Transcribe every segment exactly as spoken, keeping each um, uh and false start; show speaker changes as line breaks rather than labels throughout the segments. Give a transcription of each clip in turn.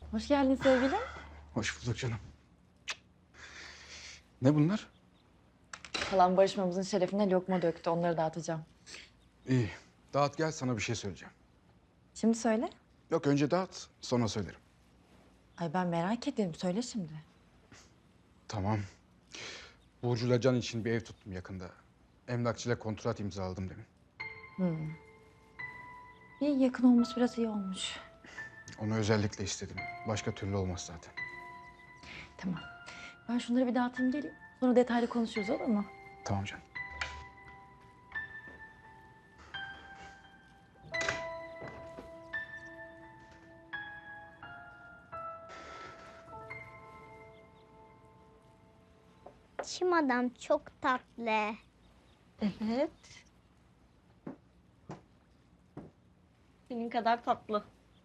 Hoş geldin sevgilim.
Hoş bulduk canım. Ne bunlar?
Kalan barışmamızın şerefine lokma döktü. Onları dağıtacağım.
İyi. Dağıt gel sana bir şey söyleyeceğim.
Şimdi söyle.
Yok önce dağıt sonra söylerim.
Ay ben merak ederim. Söyle şimdi.
Tamam. Burcu'yla Can için bir ev tuttum yakında. Emlakçıyla kontrat imzaladım demin.
İyi yakın olmuş biraz iyi olmuş.
Onu özellikle istedim. Başka türlü olmaz zaten.
Tamam. Ben şunları bir dağıtayım geleyim. Sonra detaylı konuşuruz olur mu?
Tamam canım.
Çim adam çok tatlı.
Evet. Senin kadar tatlı.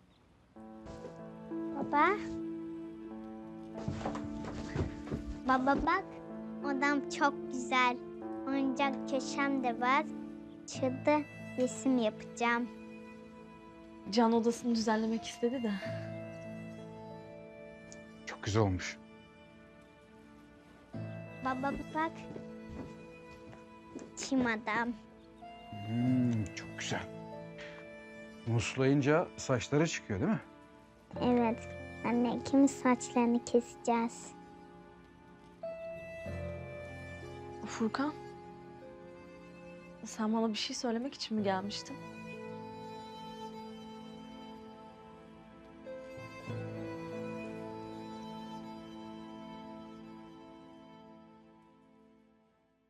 Baba. Baba bak, odam çok güzel. Oyuncak köşem de var. Çılda resim yapacağım.
Can odasını düzenlemek istedi de.
Çok güzel olmuş.
Baba bak. Çim adam.
Hmm, çok güzel. Muslayınca saçları çıkıyor değil mi?
Evet. Anne ikimiz saçlarını keseceğiz.
Furkan. Sen bana bir şey söylemek için mi gelmiştin?